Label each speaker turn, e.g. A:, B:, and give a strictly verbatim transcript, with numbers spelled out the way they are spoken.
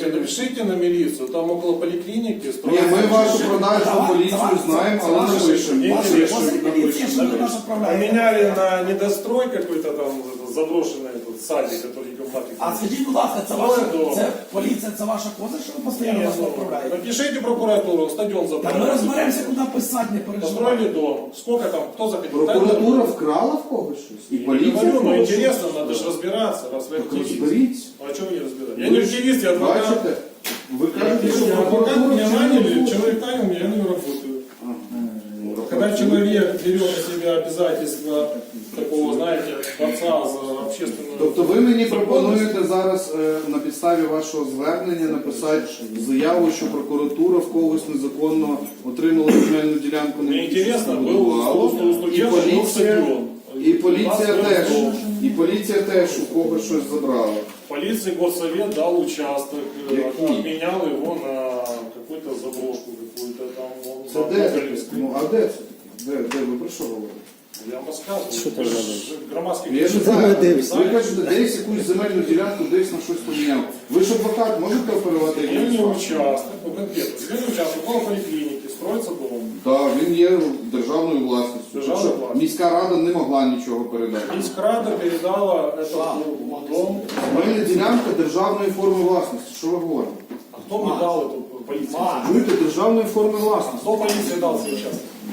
A: Слушайте, напишите на милицию, там около поликлиники
B: Ні,
A: строится...
B: ми вашу продажну поліцію знаємо, але не пишемо.
A: Поменяли на недострой какой-то там заброшенный этот садик, который в Матрике.
C: А скажіть, будь ласка, це ваша це поліція, це ваша коза, що ви постійно нас відправляєте?
A: Напишите прокуратуру, стадион
C: Так ми
A: забрали.
C: розберемося, куди писати, не переживайте.
A: Построили дом. Сколько там, кто заходил?
B: Прокуратура вкрала в когось щось? І
A: Я
B: поліція
A: говорю,
B: в
A: ну
B: когось
A: интересно,
B: щось?
A: надо же разбираться, раз вы
B: Так
A: активист.
B: розберіться.
A: А чего вы не разбираетесь?
B: Ви
A: Я не
B: ж
A: активист, я адвокат.
B: Бачите? Ви
A: Я
B: кажете, що
A: адвокат,
B: прокуратура
A: меня
B: вчинила
A: наняли,
B: злочин.
A: человек нанял меня, я на нее работаю.
B: Ага.
A: Когда человек берет на себя обязательства такого, знаете, борца за общественную...
B: Тобто ви мені пропонуєте зараз е, на підставі вашого звернення написати заяву, що прокуратура в когось незаконно отримала земельну ділянку, не
A: Мне интересно, был
B: будувала,
A: у студента,
B: і
A: был
B: поліція,
A: стадион.
B: і поліція
A: У нас
B: теж,
A: был дом.
B: і поліція теж у когось щось забрала.
A: Полиции горсовет дал участок, э,
B: Какие?
A: обменял его на какую-то заброшку, какую-то там... он
B: Це
A: на
B: де?
A: Гоголевской.
B: Ну а де це? Де, де ви про що говорите?
A: Я вам рассказываю.
D: Что ты
A: Вы ж
D: говоришь?
A: громадский
B: Я не
A: критик.
B: знаю,
D: дивишся.
B: ви кажете, десь якусь земельну ділянку, десь на щось поміняв. Ви ж адвокат, можете оперувати якимось
A: Земельный
B: фактом?
A: участок, ну конкретно, земельный участок около поликлиники, строится дом.
B: Так, він є державною власністю.
A: Державною
B: Що,
A: власністю.
B: міська рада не могла нічого передати.
A: Міськрада передала этот дом.
B: Земельна ділянка державної форми власності. Що ви говорите?
A: А кто мне дал эту полицию?
B: Чуєте, державної форми власності.
A: Кто полиции дал свой участок?